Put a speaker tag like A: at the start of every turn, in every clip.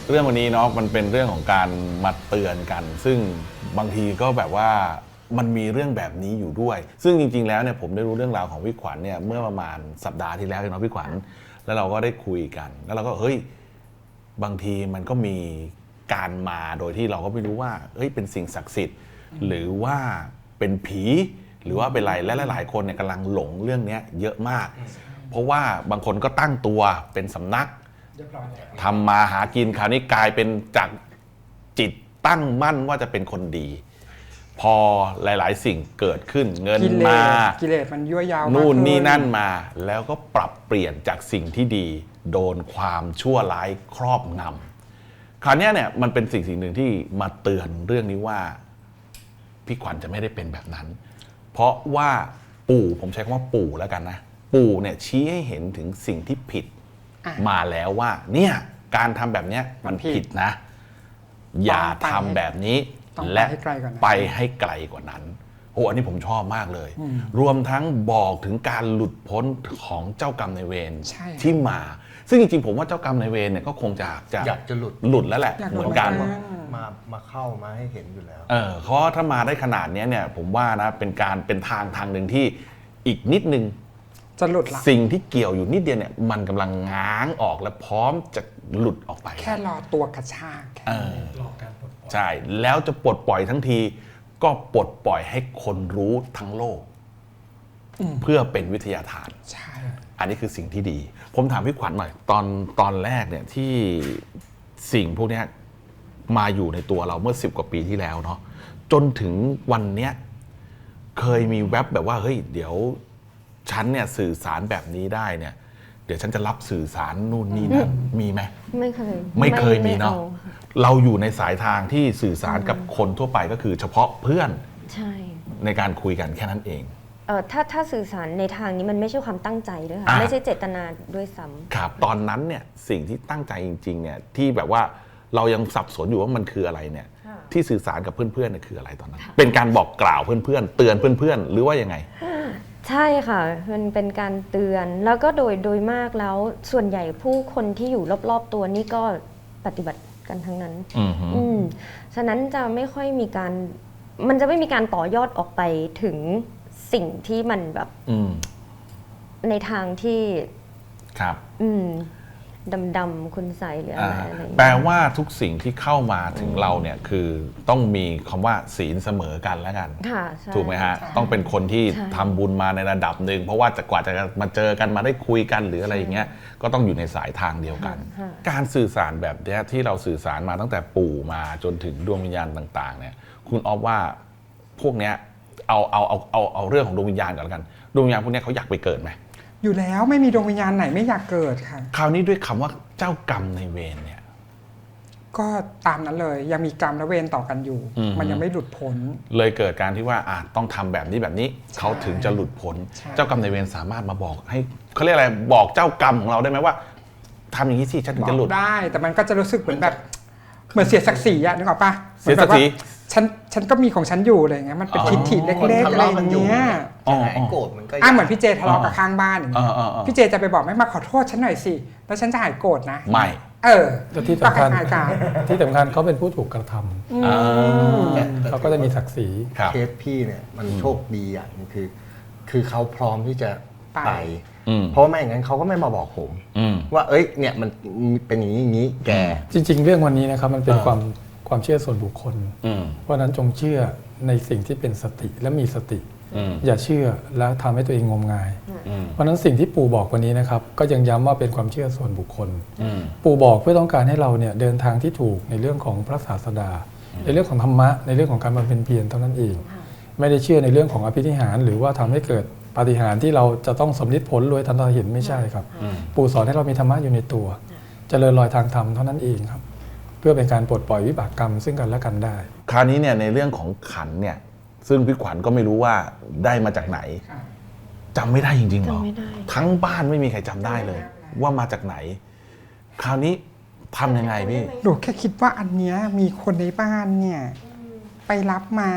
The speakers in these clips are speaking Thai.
A: เรื่องวันนี้เนาะมันเป็นเรื่องของการมาเตือนกัน ซึ่งบางทีก็แบบว่ามันมีเรื่องแบบนี้อยู่ด้วยซึ่งจริงๆแล้วเนี่ยผมได้รู้เรื่องราวของพี่ขวัญเนี่ยเมื่อประมาณสัปดาห์ที่แล้วเนาะพี่ขวัญแล้วเราก็ได้คุยกันแล้วเราก็เฮ้ยบางทีมันก็มีการมาโดยที่เราก็ไม่รู้ว่าเฮ้ยเป็นสิ่งศักดิ์สิทธิ์หรือว่าเป็นผีหรือว่าเป็นอะไรและหลายๆคนเนี่ยกำลังหลงเรื่องนี้เยอะมากเพราะว่าบางคนก็ตั้งตัวเป็นสำนักทำมาหากินคราวนี้กลายเป็นจากจิตตั้งมั่นว่าจะเป็นคนดีพอหลายๆสิ่งเกิดขึ้นเงินมา
B: กิเลสมันยั่วยาว
A: นู่นนี่นั่นมาแล้วก็ปรับเปลี่ยนจากสิ่งที่ดีโดนความชั่วร้ายครอบงำคราวนี้เนี่ยมันเป็นสิ่งหนึ่งที่มาเตือนเรื่องนี้ว่าพี่ขวัญจะไม่ได้เป็นแบบนั้นเพราะว่าปู่ผมใช้คำว่าปู่แล้วกันนะปู่เนี่ยชี้ให้เห็นถึงสิ่งที่ผิดมาแล้วว่าเนี่ยการทำแบบนี้มันผิดนะอย่าทำแบบนี้และไปให้ไกลกว่านั้นโอ้อันนี้ผมชอบมากเลยรวมทั้งบอกถึงการหลุดพ้นของเจ้ากรรมนายเวรที่มาซึ่งจริงๆผมว่าเจ้ากรรมนายเวรเนี่ยก็คงอยากจะหลุดแล้วแหละเหมือนกัน
C: มาเข้ามาให้เห็นอยู่แล้ว
A: เพราะถ้ามาได้ขนาดนี้เนี่ยผมว่านะเป็นทางหนึ่งที่อีกนิดนึง
B: จะหลุดละ
A: สิ่งที่เกี่ยวอยู่นิดเดียวเนี่ยมันกำลังง้างออกและพร้อมจะหลุดออกไป
B: แค่รอตัวกระชาก
A: รอการปลดปล่อยใช่แล้วจะปลดปล่อยทั้งทีก็ปลดปล่อยให้คนรู้ทั้งโลกเพื่อเป็นวิทยาทาน
B: ใช่
A: อันนี้คือสิ่งที่ดีผมถามพี่ขวัญหน่อยตอนแรกเนี่ยที่สิ่งพวกนี้มาอยู่ในตัวเราเมื่อ10 กว่าปีที่แล้วเนาะจนถึงวันเนี้ยเคยมีแว็บแบบว่าเฮ้ยเดี๋ยวฉันเนี่ยสื่อสารแบบนี้ได้เนี่ยเดี๋ยวฉันจะรับสื่อสารนู่นนี่นั่นมีไหม
D: ไม่
A: เคยมีเนาะเราอยู่ในสายทางที่สื่อสารกับคนทั่วไปก็คือเฉพาะเพื่อน
D: ใช่
A: ในการคุยกันแค่นั้นเอง
D: ถ้าสื่อสารในทางนี้มันไม่ใช่ความตั้งใจด้วยค่ะไม่ใช่เจตนาด้วยซ้ำ
A: ครับตอนนั้นเนี่ยสิ่งที่ตั้งใจจริงๆเนี่ยที่แบบว่าเรายังสับสนอยู่ว่ามันคืออะไรเนี่ยที่สื่อสารกับเพื่อนๆเนี่ยคืออะไรตอนนั้นเป็นการบอกกล่าวเพื่อนๆเตือนเพื่อนๆหรือว่ายังไง
D: ใช่ค่ะมันเป็นการเตือนแล้วก็โดยมากแล้วส่วนใหญ่ผู้คนที่อยู่รอบๆตัวนี่ก็ปฏิบัติกันทั้งนั้นฉะนั้นจะไม่ค่อยมีการมันจะไม่มีการต่อยอดออกไปถึงสิ่งที่มันแบบในทางที่
A: ครับ
D: ดำๆคุณใสหรืออะไร
A: แปลว่าทุกสิ่งที่เข้ามาถึงเราเนี่ยคือต้องมีคำว่าศีลเสมอกันแล้วกันถูกไหมฮะต้องเป็นคนที่ทำบุญมาในระดับหนึ่งเพราะว่าจะกว่าจะมาเจอกันมาได้คุยกันหรืออะไรอย่างเงี้ยก็ต้องอยู่ในสายทางเดียวกันการสื่อสารแบบนี้ที่เราสื่อสารมาตั้งแต่ปู่มาจนถึงดวงวิญญาณต่างๆเนี่ยคุณอ๊อฟว่าพวกเนี้ยเอาเรื่องของดวงวิญญาณก่อนแล้วกันดวงวิญญาณพวกนี้เขาอยากไปเกิดไหม
B: อยู่แล้วไม่มีดวงวิญญาณไหนไม่อยากเกิดค่ะ
A: คราวนี้ด้วยคำว่าเจ้ากรรมในเวรเนี่ย
B: ก็ตามนั้นเลยยังมีกรรมและเวรต่อกันอยู่มันยังไม่หลุดพ้น
A: เลยเกิดการที่ว่าต้องทำแบบนี้เขาถึงจะหลุดพ้นเจ้ากรรมในเวรสามารถมาบอกให้เขาเรียกอะไรบอกเจ้ากรรมของเราได้ไหมว่าทำอย่างนี้สิฉันถึงจะหลุด
B: ได้แต่มันก็จะรู้สึกเหมือนแบบเหมือนเสียศักดิ์ศรีอะนึกออกปะ
A: เสียศักดิ์ศรี
B: ฉันก็มีของฉันอยู่อะไรเงี้ยมันเป็นทิฏฐิเล็กๆอะไรอย่างเงี้ย
C: โกรธมันก็
B: เหมือนพี่เจทะเลาะกับข้างบ้านอย่างเงี้ยพี่เจจะไปบอกไม่มาขอโทษฉันหน่อยสิแล้วฉันจะหายโกรธนะ
A: ไม่
B: แต่
E: ที่สำคัญเขาเป็นผู้ถูกกระทำเขาก็จะมีศักดิ์ศรี
C: เคสพี่เนี่ยมันโชคดีอย่างนึงคือเขาพร้อมที่จะไปเพราะไม่อย่างนั้นเขาก็ไม่มาบอกผมว่าเอ้ยเนี่ยมันเป็นอย่างนี้แก
E: จริงๆเรื่องวันนี้นะครับมันเป็นความเชื่อส่วนบุคคลเพราะนั้นจงเชื่อในสิ่งที่เป็นสติและมีสติอย่าเชื่อแล้วทำให้ตัวเองงมงายเพราะนั้นสิ่งที่ปู่บอกวันนี้นะครับก็ยังย้ำว่าเป็นความเชื่อส่วนบุคคลปู่บอกเพื่อต้องการให้เราเนี่ยเดินทางที่ถูกในเรื่องของพระศาสดาในเรื่องของธรรมะในเรื่องของการบำเพ็ญเพียรเท่านั้นเองไม่ได้เชื่อในเรื่องของอภินิหารหรือว่าทำให้เกิดปาฏิหาริย์ที่เราจะต้องสำลิดผลรวยทันตาเห็นไม่ใช่ครับปู่สอนให้เรามีธรรมะอยู่ในตัวเจริญรอยทางธรรมเท่านั้นเองครับเพื่อเป็นการปลดปล่อยวิบากกรรมซึ่งกันและกันได้
A: คราวนี้เนี่ยในเรื่องของขันเนี่ยซึ่งพี่ขวัญก็ไม่รู้ว่าได้มาจากไหนจำไม่ได้จริงๆหรอทั้งบ้านไม่มีใครจำได้เลยว่ามาจากไหนคราวนี้ทำยังไงพี่
B: หนูแค่คิดว่าอันเนี้ยมีคนในบ้านเนี่ยไปรับมา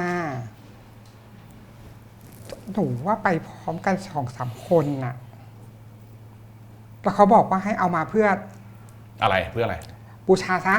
B: หนูว่าไปพร้อมกัน2-3 คนน่ะแล้วเขาบอกว่าให้เอามาเพื่อ
A: อะไรเพื่ออะไร
B: บูชาซะ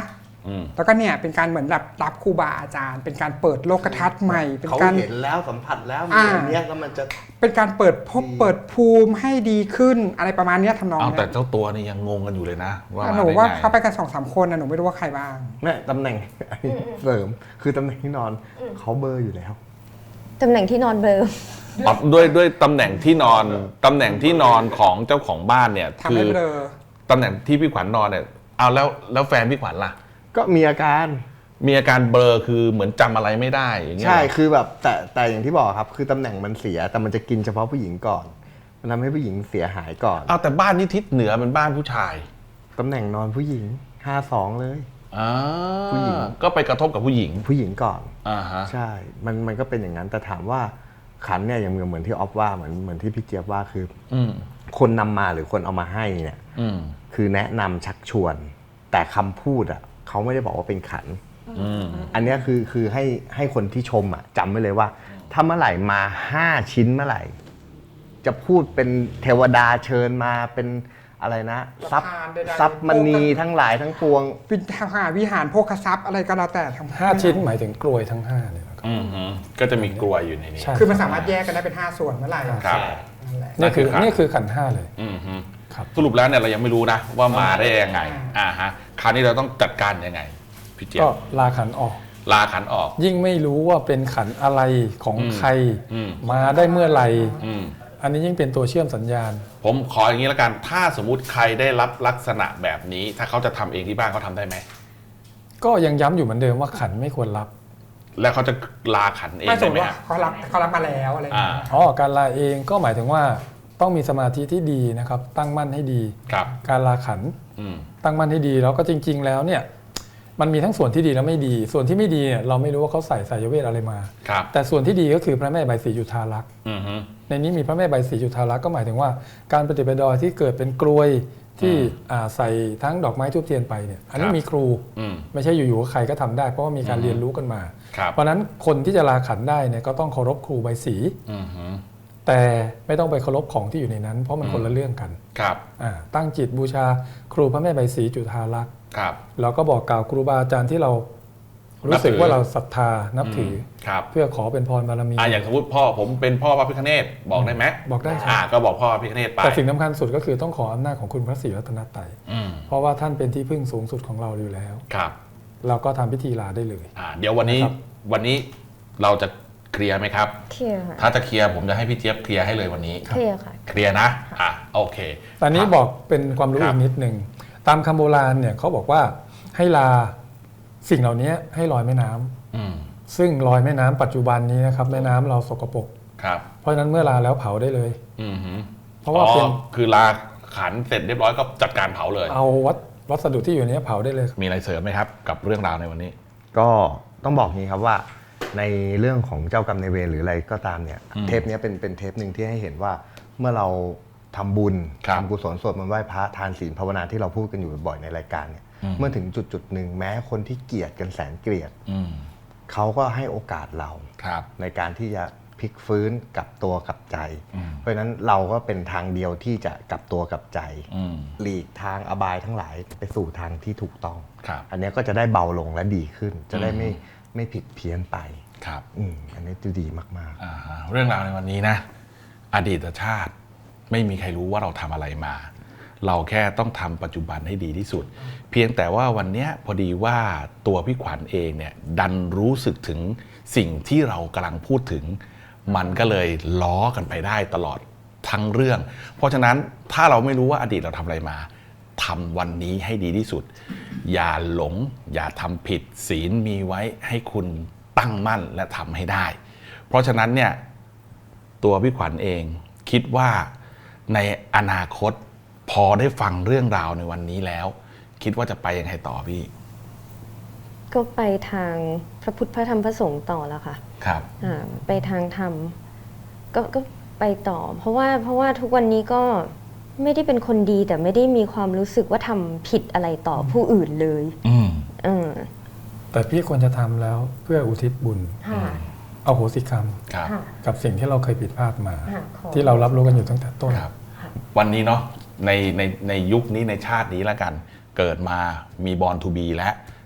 B: แล้วก็เนี่ยเป็นการเหมือนรับครูบาอาจารย์ เป็นการเปิดโลกทัศน์ใหม่เป็น
C: เขา
B: การ
C: เห็นแล้วสัมผัสแล้วมีอันเนี้ยแล้วมันจะ
B: เป็นการเปิดภูมิให้ดีขึ้นอะไรประมาณเนี้ยทำนอง
A: เอา
B: เนี้
A: แต่
B: ย
A: เจ้าตัวนี่ยังงงกันอยู่เลยนะว่า
B: หนู
A: มา
B: ว่า
A: ได้ไง
B: เขาไปกัน2-3 คนนะหนูไม่รู้ว่าใครบ้าง
C: แม่ตำแหน่งเสริมคือตำแหน่งที่นอนเขาเบอร์อยู่แล้ว
D: ตำแหน่งที่นอนเบลอ
A: อ๋อด้วยตำแหน่งที่นอนของเจ้าของบ้านเนี่ย
B: ทำให้เบลอ
A: ตำแหน่งที่พี่ขวัญนอนเนี่ยเอาแล้วแฟนพี่ขวัญล่ะ
C: ก็มีอาการ
A: มีอาการเบลอคือเหมือนจำอะไรไม่ได้อย่างเงี้ย
C: ใช่
A: เหรอ
C: คือแบบแต่อย่างที่บอกครับคือตำแหน่งมันเสียแต่มันจะกินเฉพาะผู้หญิงก่อน มันทำให้ผู้หญิงเสียหายก่อน
A: เอาแต่บ้านนี้ทิศเหนือเป็นบ้านผู้ชาย
C: ตำแหน่งนอนผู้หญิง52เลย
A: อ่า
C: ผู้หญิง
A: ก็ไปกระทบกับผู้หญิง
C: ผู้หญิงก่อน
A: อ่าฮะ
C: ใช่มันก็เป็นอย่างนั้นแต่ถามว่าขันเนี่ยอย่างเหมือนที่ออฟว่าเหมือนที่พี่เจี๊ยบว่าคือ
A: อืม
C: คนนำมาหรือคนเอามาให้เนี่ย
A: อืม
C: คือแนะนำชักชวน แต่คำพูดอ่ะเขาไม่ได้บอกว่าเป็นขัน
A: อืม
C: อันเนี้ยคือให้คนที่ชมอ่ะจำไว้เลยว่า ถ้าเมื่อไหร่มา5 ชิ้นเมื่อไหร่ จะพูดเป็นเทวดาเชิญมาเป็นอะไรนะทรัพย์
B: ประธานใดๆ
C: ทรัพย์มณีทั้งหลายทั้งปวง
B: วิหารโภคทรัพย์อะไรก็แล้วแต่ทั้ง
E: 5 ชิ้นหมายถึงกลวยทั้ง5เนี่ยนะครับ
A: อืมฮึก็จะมีกลวยอยู่ในนี้
E: ใช่
B: คือมันสามารถแยกกันได้เป็น5 ส่วนเมื่อไหร่
A: ครับ
B: นั่นแหละ
E: นี่คือ
A: นั่นคือขัน
E: นี่คือขันธ์5เลย
A: อืมฮึ
E: ครับ
A: สรุปแล้วเนี่ยเรายังไม่รู้นะว่ามาได้ยังไงฮะคราวนี้เราต้องจัดการยังไงพี่เจี๊ย
E: ก็
A: บ
E: ลาขันธ์ออก
A: ลาขันออก
E: ยิ่งไม่รู้ว่าเป็นขันธ์อะไรของใคร
A: อืม
E: มาได้เมื่อไหร่
A: อืม
E: อันนี้ยิ่งเป็นตัวเชื่อมสัญญาณ
A: ผมขออย่างนี้แล้วกัน ถ้าสมมุติใครได้รับลักษณะแบบนี้ ถ้าเขาจะทำเองที่บ้านเขาทำได้ไหม
E: ก็ยังย้ำอยู่เหมือนเดิมว่าขันธ์ไม่ควรรับ
A: แล้วเขาจะลาขันเอง
B: ไม่สม
A: ได้
B: ม
A: ไหม
B: ติว่า
A: ฮะ
B: เขารับมาแล้วอะไรอย่างเงี้ย
E: อ๋อการลาเองก็หมายถึงว่าต้องมีสมาธิที่ดีนะครับ ตั้งมั่นให้ดี
A: ครับ
E: การลาขันธ์
A: อืม
E: ตั้งมั่นให้ดีแล้วก็จริง ๆ แล้วเนี่ยมันมีทั้งส่วนที่ดีและไม่ดี ส่วนที่ไม่ดีเนี่ยเราไม่รู้ว่าเขาใส่สายเวทอะไรมา
A: ครับ
E: แต่ส่วนที่ดีก็คือพระแม่ใบศรีจุฑาลักษณ์
A: อืมฮึ
E: ในนี้มีพระแม่ใบศรีจุฑาลักษณ์ก็หมายถึงว่าการปฏิบัติดอยที่เกิดเป็นกลวยที่ใส่ทั้งดอกไม้ทูบเทียนไปเนี่ยอันนี้มีครู
A: อืม
E: ไม่ใช่อยู่ๆใครก็ทำได้เพราะว่ามีการเรียนรู้กันมา
A: ครับ
E: เพราะฉะนั้นคนที่จะลาขันได้เนี่ยก็ต้องเคารพครูใบศรี
A: อืมฮึ
E: แต่ไม่ต้องไปเคารพของที่อยู่ในนั้น เพราะมันคนละเรื่องกัน
A: ครับ
E: ตั้งจิตบูชาครูพระแม่ใบศรีจุฑาลักษณ์
A: ครับ
E: เราก็บอกกล่าวครูบาอาจารย์ที่เรารู้สึกว่าเราศรัทธานับถือ
A: ครับ
E: เพื่อขอเป็นพรบารมี
A: อย่างสมมติพ่อผมเป็นพ่อพระพิฆเนศบอกได้ไหม
E: บอกได้ครับ
A: ก็บอกพ่อพระพิฆเนศไป
E: แต่สิ่งสำคัญสุดก็คือต้องขออำนาจของคุณพระศรีรัตนตรัย
A: อืม
E: เพราะว่าท่านเป็นที่พึ่งสูงสุดของเราอยู่แล้ว
A: ครับ
E: เราก็ทำพิธีลาได้เลย
A: เดี๋ยววันนี้
E: นะครับ
A: วันนี้เราจะเคลียร์ไหมครับ
D: เคลียร์ค่ะ
A: ถ้าจะเคลียร์ผมจะให้พี่เจี๊ยบเคลียร์ให้เลยวันนี้
D: เคลียร์ค่ะ
A: เคลียร์นะโอเค
E: ตอนนี้
A: ครับ
E: บอกเป็นความรู้
A: ครั
E: อี
A: บ
E: กนิดหนึ่งตามคำโบราณเนี่ยเขาบอกว่าให้ลาสิ่งเหล่านี้ให้ลอยแม่น้ำ
A: อืม
E: ซึ่งลอยแม่น้ำปัจจุบันนี้นะครับแม่น้ำเราสกปรก
A: ครับ
E: เพราะฉะนั้นเมื่อลาแล้วเผาได้เลย
A: อืมฮึ
E: เพราะว่าเป็น
A: คือลาขันเสร็จเรียบร้อยก็จัดการเผาเลย
E: เอาวัสดุที่อยู่ในนี้เผาได้เลย
A: มีอะไรเสริมไหมครับ กับเรื่องราวในวันนี้
C: ก็ต้องบอกนี้ครับว่าในเรื่องของเจ้ากรรมนายเวรหรืออะไรก็ตามเนี่ย เทปนี้เป็นเทปหนึ่งที่ให้เห็นว่าเมื่อเราทำบุญ
A: ครับ
C: ทำกุศลสวดมนต์ไหว้พระทานศีลภาวนาที่เราพูดกันอยู่บ่อยๆในรายการเนี่ยเมื่อถึงจุดหนึ่งแม้คนที่เกลียดกันแสนเกลียด
A: อืม
C: เขาก็ให้โอกาสเรา
A: ครับ
C: ในการที่จะพลิกฟื้นกลับตัวกลับใจ
A: อืม
C: เพราะฉะนั้นเราก็เป็นทางเดียวที่จะกลับตัวกลับใจ
A: อืม
C: หลีกทางอบายทั้งหลายไปสู่ทางที่ถูกต้อง
A: ครับ
C: อันเนี้ยก็จะได้เบาลงและดีขึ้น จะได้ไม่ผิดเพี้ยนไป
A: ครับ
C: อันนี้จะดีมาก
A: เรื่องราวในวันนี้นะ อดีตชาติไม่มีใครรู้ว่าเราทำอะไรมา เราแค่ต้องทำปัจจุบันให้ดีที่สุด เพียงแต่ว่าวันเนี้ยพอดีว่าตัวพี่ขวัญเองเนี่ยดันรู้สึกถึงสิ่งที่เรากำลังพูดถึง มันก็เลยล้อกันไปได้ตลอดทั้งเรื่อง เพราะฉะนั้นถ้าเราไม่รู้ว่าอดีตเราทำอะไรมาทำวันนี้ให้ดีที่สุด อย่าหลง อย่าทำผิดศีลมีไว้ให้คุณตั้งมั่นและทำให้ได้ เพราะฉะนั้นเนี่ยตัวพี่ขวัญเองคิดว่าในอนาคตพอได้ฟังเรื่องราวในวันนี้แล้ว คิดว่าจะไปยังไงต่อพี่
D: ก็ไปทางพระพุทธพระธรรมพระสงฆ์ต่อแล้วค่ะ
A: ครับ
D: ไปทางธรรมก็ไปต่อ เพราะว่าทุกวันนี้ก็ไม่ได้เป็นคนดีแต่ไม่ได้มีความรู้สึกว่าทำผิดอะไรต่อผู้อื่นเลย
A: อืม
D: เออ
E: แต่พี่ควรจะทำแล้วเพื่ออุทิศบุญ
D: ค่ะ
E: เอาโหสิกรรม
A: ครับ
D: ค่ะ
E: กับสิ่งที่เราเคยผิดพลาดมา
D: ค่ะขอ
E: ที่เรารับรู้กันอยู่ตั้งแต่ต้น
A: ครับ วันนี้เนาะในยุคนี้ในชาตินี้แล้วกัน เกิดมามีบอลทูบีและ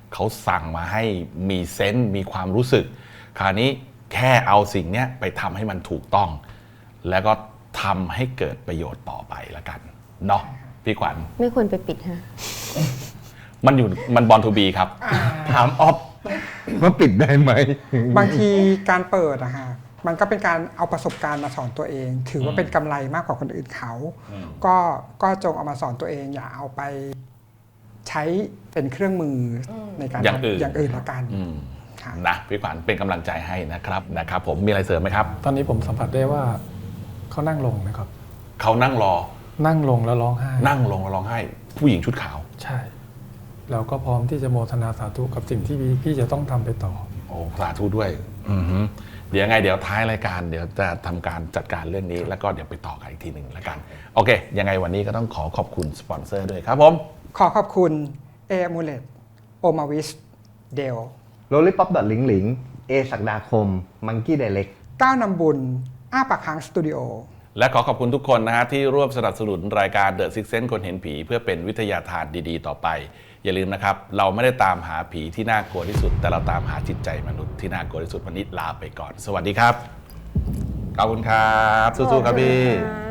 A: เขาสั่งมาให้มีเซนส์มีความรู้สึกคราวนี้แค่เอาสิ่งเนี้ยไปทำให้มันถูกต้อง แล้วก็ทำให้เกิดประโยชน์ต่อไปละกันเนาะพี่ขวัญ
D: ไม่ควรไปปิดฮะ
A: มันบอลทูบีครับ
C: ถามออฟว่าปิดได้ไหม
B: บางทีการเปิดอะฮะมันก็เป็นการเอาประสบการณ์มาสอนตัวเอง ถือว่าเป็นกำไรมากกว่าคนอื่นเขาก็จงเอามาสอนตัวเองอย่าเอาไปใช้เป็นเครื่องมือในการ
A: อย่างอื่น
B: อย่างอื่นละกันค่ะ
A: นะพี่ขวัญเป็นกำลังใจให้นะครับผมมีอะไรเสริมไหมครับ
E: ตอนนี้ผมสัมผัสได้ว่าเขานั่งลงนะครับ
A: เขานั่งรอ
E: นั่งลงแล้วร้องไห้
A: นั่งลงแล้วร้องไห้ ผู้หญิงชุดขาว
E: ใช่แล้วก็พร้อมที่จะโมทนาสาธุกับสิ่งที่พี่จะต้องทำไปต่อ
A: โอ้สาธุด้วยเดี๋ยวไงเดี๋ยวท้ายรายการเดี๋ยวจะทำการจัดการเรื่องนี้แล้วก็เดี๋ยวไปต่อกันอีกทีหนึ่งแล้วกัน โอเค ยังไงวันนี้ก็ต้องขอขอบคุณสปอนเซอร์ด้วยครับผม
B: ขอขอบคุณเอมูเลตโอมาวิสเดล
C: โรลลี่ป๊อปดอทลิงหลิงเอศักดาคมมังกี้ไดเล็ก
B: ก้าวนำบุญอ้าปากค้างสตูดิโอ
A: และขอขอบคุณทุกคนนะฮะที่ร่วมสนับสนุนรายการ The Six Sense คนเห็นผีเพื่อเป็นวิทยาทานดีๆต่อไป อย่าลืมนะครับ เราไม่ได้ตามหาผีที่น่ากลัวที่สุด แต่เราตามหาจิตใจมนุษย์ที่น่ากลัวที่สุดวันนี้ลาไปก่อน สวัสดีครับ ขอบคุณครับ สู้ๆครับพี่
D: ขอบคุณค่ะ